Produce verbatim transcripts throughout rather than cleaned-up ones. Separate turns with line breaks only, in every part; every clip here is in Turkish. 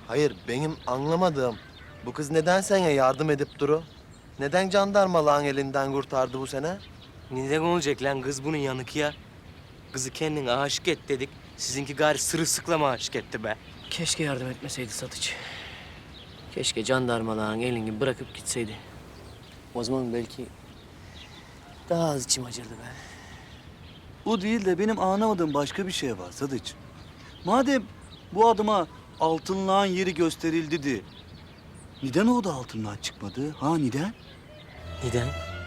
Hayır, benim anlamadığım bu kız neden sana yardım edip duru? Neden jandarmalığın elinden kurtardı bu sene?
Neden olacak lan kız bunun yanık ya? Kızı kendine aşık et dedik. Sizinki gari sırılsıklama aşık etti be.
Keşke yardım etmeseydi Satıç. Keşke jandarmalığın elini bırakıp gitseydi. O zaman belki daha az içim acırdı be.
O değil de benim anlamadığım başka bir şey var Sadıç. Madem bu adama altınlağın yeri gösterildi de... ...neden o da altınlığa çıkmadı? Ha neden?
Neden?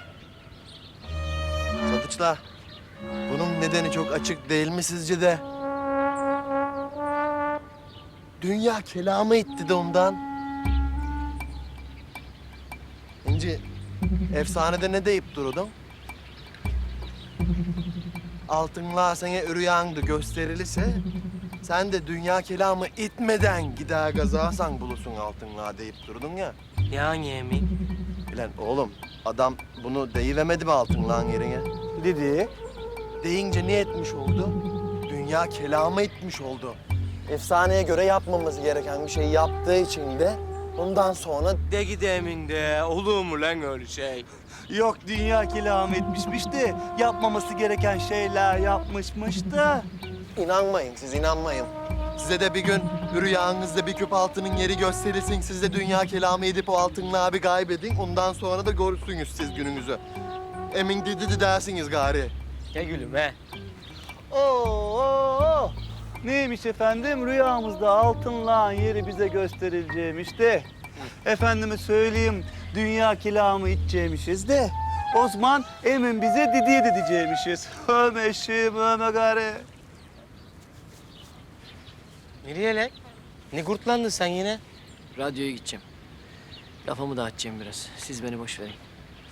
Sadıçla, bunun nedeni çok açık değil mi sizce de? Dünya kelamı itti de ondan. İnci, efsanede ne deyip durudun? Altınlığa sana rüyandı gösterilirse... ...sen de dünya kelamı itmeden gider gazarsan bulursun altınlığa deyip durdun ya.
Yani emin.
Lan oğlum, adam bunu deyivermedi mi altınlığın yerine?
Dedi.
Deyince ne etmiş oldu? Dünya kelamı etmiş oldu. Efsaneye göre yapmamız gereken bir şey yaptığı için de ondan sonra...
De gidemin de olur mu lan öyle şey?
Yok dünya kelam etmişmiş de yapmaması gereken şeyler yapmışmış da.
inanmayın, siz inanmayın. Size de bir gün rüyanızda bir küp altının yeri gösterilsin. Siz de dünya kelamı edip o altınlığı bir kaybedin. Ondan sonra da görürsünüz siz gününüzü. Emin dedi de dersiniz gari.
Ya gülüm he.
Oo, neymiş efendim? Rüyamızda altınlağın yeri bize gösterileceğimiş de. Efendime söyleyeyim, dünya kelamı içeceğimişiz de. Osman emin bize didiye dideceğimişiz. Öme eşeğim, öme gari.
Nereye lan? Ne kurtlandın sen yine?
Radyoya gideceğim. Lafımı dağıtacağım biraz. Siz beni boş verin.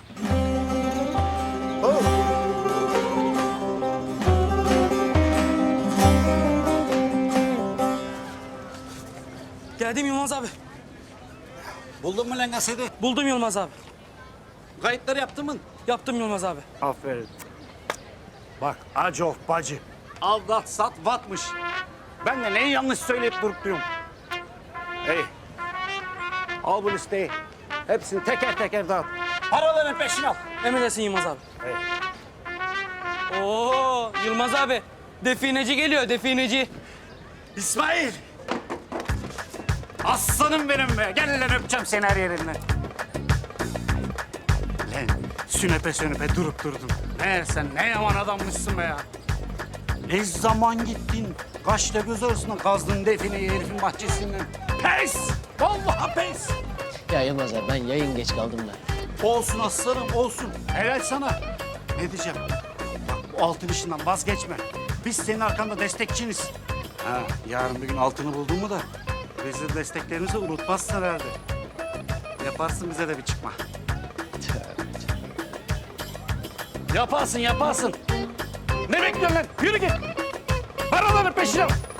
Geldim Yılmaz abi.
Buldun mu lan kaseti?
Buldum Yılmaz abi.
Kayıtları yaptın mı?
Yaptım Yılmaz abi.
Aferin. Bak Acof bacı. Aldat sat vatmış. Ben de neyi yanlış söyleyip durup duruyorum. Hey. Al bu listeyi. Hepsini teker teker dağıt. Paraların peşine al.
Emredesin Yılmaz abi.
Hey.
Oo Yılmaz abi. Defineci geliyor, defineci.
İsmail. Aslanım benim be. Gel lan öpeceğim seni her yerinden. Lan sünepe sünepe durup durdun. Meğer sen ne yaman adammışsın be ya. Ne zaman gittin? Kaçta göz arasında kazdın defineyi herifin bahçesinden. Pes! Vallahi pes!
Ya Yılmaz abi ben yayın geç kaldım da.
Olsun aslanım olsun. Helal sana. Ne diyeceğim? Bak bu altın işinden vazgeçme. Biz senin arkanda destekçiniz. Ha, yarın bir gün altını buldun mu da bizi desteklerimizi unutmazsın herhalde. Yaparsın bize de bir çıkma. Yaparsın yaparsın. Ne bekliyorsun lan? Yürü git. Paraların peşine.